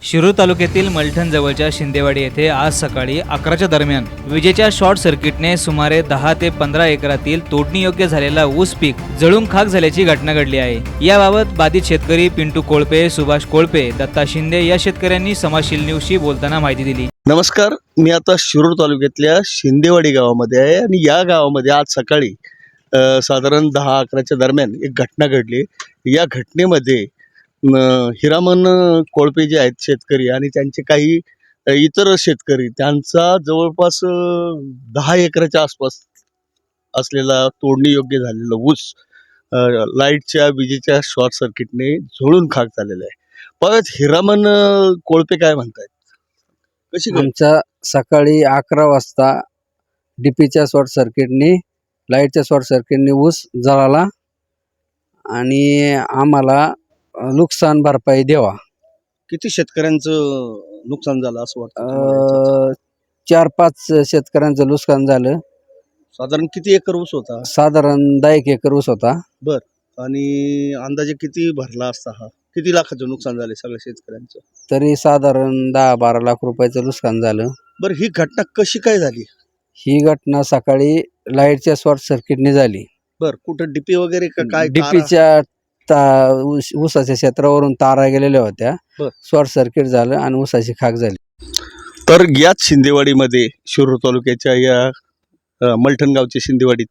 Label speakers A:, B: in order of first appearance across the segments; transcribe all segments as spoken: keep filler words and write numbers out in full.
A: शिरूर तालुक्यातील मलठण जवळच्या शिंदेवाडी येथे आज सकाळी अकराच्या दरम्यान विजेच्या शॉर्ट सर्किटने सुमारे दहा ते पंधरा एकरातील तोडणीयोग्य झालेला ऊस पीक जळून खाक झाल्याची घटना घडली आहे। याबाबत बाधित शेतकरी पिंटू कोळपे, सुभाष कोळपे, दत्ता शिंदे या शेतकऱ्यांनी समाजशील न्यूजशी बोलताना माहिती दिली।
B: नमस्कार, मी आता शिरूर तालुक्यातल्या शिंदेवाडी गावामध्ये आहे आणि या गावामध्ये आज सकाळी साधारण दहा अकराच्या दरम्यान एक घटना घडली। या घटनेमध्ये हिरामन कोळपे जे आहेत शेतकरी आणि त्यांचे काही इतर शेतकरी त्यांचा जवळपास दहा एकराच्या आसपास असलेला तोडणी योग्य झालेला ऊस लाईटच्या विजेच्या शॉर्ट सर्किटने झोळून खाक झालेला आहे। परत हिरामन कोळपे काय म्हणतात, कशी
C: आमचा सकाळी अकरा वाजता डीपीच्या शॉर्ट सर्किटने लाईटच्या शॉर्ट सर्किटने ऊस जळाला आणि आम्हाला नुकसान भरपाई द्यावा।
B: किती शेतकऱ्यांचं नुकसान झालं असं वाटतं?
C: चार पाच शेतकऱ्यांचं नुकसान झालं।
B: साधारण किती एकर ऊस होता?
C: साधारण दहा एक एकर ऊस होता।
B: बर, आणि अंदाजे किती भरला असता? हा किती लाखाचं नुकसान झाले सगळ्या शेतकऱ्यांचं?
C: तरी साधारण दहा बारा लाख रुपयाचं नुकसान झालं।
B: बरं, ही घटना कशी काय झाली?
C: ही घटना सकाळी लाईटच्या शॉर्ट सर्किटने झाली।
B: बर, कुठं डीपी वगैरे का काय?
C: डीपीच्या ऊसाच्या क्षेत्रावरून तारा गेलेल्या होत्या, शॉर्ट सर्किट झालं आणि ऊसाची खाक झाली।
B: तर याच शिंदेवाडीमध्ये शिरूर तालुक्याच्या या मलठण गावच्या शिंदेवाडीत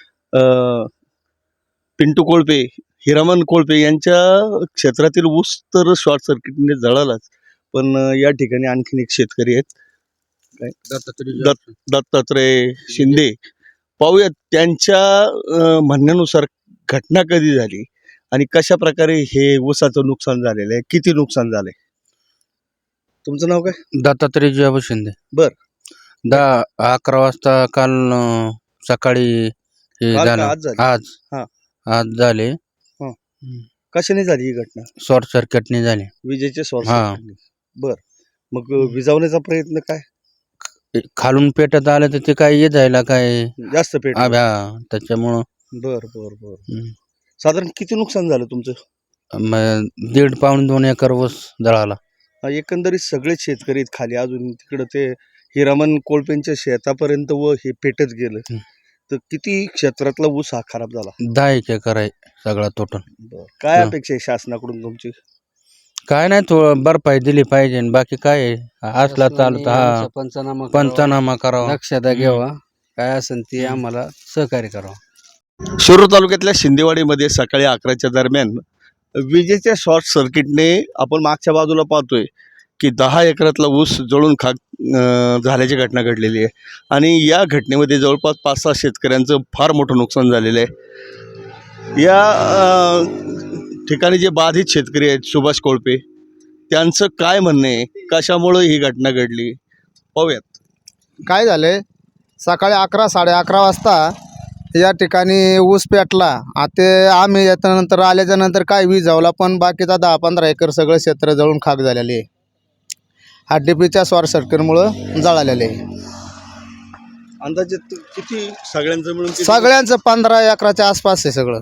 B: पिंटू कोळपे, हिरामन कोळपे यांच्या क्षेत्रातील ऊस तर शॉर्ट सर्किटने जळालाच, पण या ठिकाणी आणखीन एक शेतकरी आहेत, दत्त दत्तात्रय शिंदे। पाहूयात त्यांच्या म्हणण्यानुसार घटना कधी झाली आणि कशा प्रकारे हे ऊसाचं नुकसान झालेलं आहे, किती नुकसान झालंय? तुमचं नाव काय?
D: दत्तात्रय जिजाबा शिंदे।
B: बर,
D: दहा अकरा वाजता काल सकाळी हे झालं।
B: आज
D: आज
B: हा
D: आज झाले।
B: कशाने झाली ही घटना?
D: शॉर्ट सर्किटने झाले,
B: विजेचे शॉर्ट
D: हा।
B: सर्किटने। बर, मग विजावण्याचा प्रयत्न काय?
D: खालून पेटत आलं तर ते काय ये जायला काय
B: जास्त पेट?
D: त्याच्यामुळं
B: बर बर बर साधारण किती नुकसान झालं तुमचं?
D: दीड पाऊण दोन एकर ऊस जळाला।
B: एकंदरीत सगळे शेतकरी खाली, अजून तिकडं ते हिरामन कोळपेंच्या शेतापर्यंत व हे पेटत गेलं, तर किती क्षेत्रातला ऊस हा खराब झाला?
D: दहा एक एकर आहे सगळा टोटल।
B: काय अपेक्षा आहे शासनाकडून तुमची?
D: काय नाही, थोडं भरपाई दिली पाहिजे, बाकी काय असला चालत हा
C: पंचनामा
D: पंचनामा करावा,
C: लक्षात घ्यावा, काय असेल ते आम्हाला सहकार्य करावं।
B: शिरूर तालुक्यातल्या शिंदेवाडीमध्ये सकाळी अकराच्या दरम्यान विजेच्या शॉर्ट सर्किटने आपण मागच्या बाजूला पाहतोय की दहा एकरातला ऊस जळून खाक झाल्याची घटना घडलेली आहे आणि या घटनेमध्ये जवळपास पाच सहा शेतकऱ्यांचं फार मोठं नुकसान झालेलं आहे। या ठिकाणी जे बाधित शेतकरी आहेत सुभाष कोळपे, त्यांचं काय म्हणणं आहे, कशामुळं ही घटना घडली पाहूयात।
E: काय झाले, सकाळी अकरा साडे अकरा वाजता या ठिकाणी ऊस पेटला। आता आम्ही याच्यानंतर आल्याच्या नंतर काय वीज जावला, पण बाकीचा दहा पंधरा एकर सगळं क्षेत्र जळून खाक झालेले आहे। हा डीपीच्या शॉर्ट सर्किटमुळं जळालेले आहे।
B: अंदाजे किती सगळ्यांचं मिळून?
E: सगळ्यांचं पंधरा एकराच्या आसपास आहे सगळं।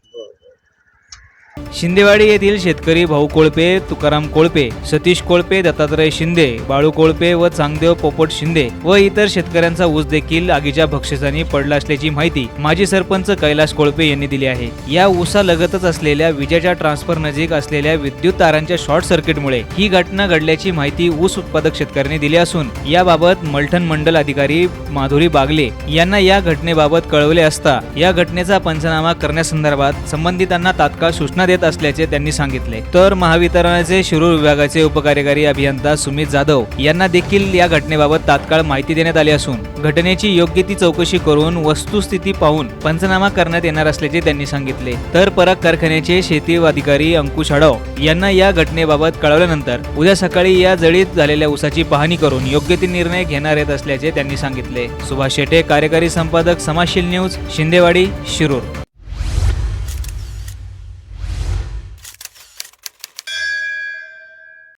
A: शिंदेवाडी येथील शेतकरी भाऊ कोळपे, तुकाराम कोळपे, सतीश कोळपे, दत्तात्रय शिंदे, बाळू कोळपे व चांगदेव पोपट शिंदे व इतर शेतकऱ्यांचा ऊस देखील आगीच्या भक्षसानी पडला असल्याची माहिती माजी सरपंच कैलास कोळपे यांनी दिली आहे। या ऊसालगतच असलेल्या विजेच्या ट्रान्सफर नजीक असलेल्या विद्युत तारांच्या शॉर्ट सर्किटमुळे ही घटना घडल्याची माहिती ऊस उत्पादक शेतकऱ्यांनी दिली असून याबाबत मलठण मंडल अधिकारी माधुरी बागले यांना या घटनेबाबत कळवले असता या घटनेचा पंचनामा करण्यासंदर्भात संबंधितांना तात्काळ सूचना देत असल्याचे त्यांनी सांगितले। तर महावितरणाचे शिरूर विभागाचे उपकार्यकारी अभियंता सुमित जाधव यांना देखील या घटनेबाबत तात्काळ माहिती देण्यात आली असून घटनेची योग्य ती चौकशी करून वस्तुस्थिती पाहून पंचनामा करण्यात येणार असल्याचे त्यांनी सांगितले। तर परक कारखान्याचे शेती अधिकारी अंकुश आडव यांना या घटनेबाबत कळवल्यानंतर उद्या सकाळी या जळीत झालेल्या ऊसाची पाहणी करून योग्य ते निर्णय घेणार येत असल्याचे त्यांनी सांगितले। सुभाष शेटे, कार्यकारी संपादक, समाजशील न्यूज, शिंदेवाडी, शिरूर।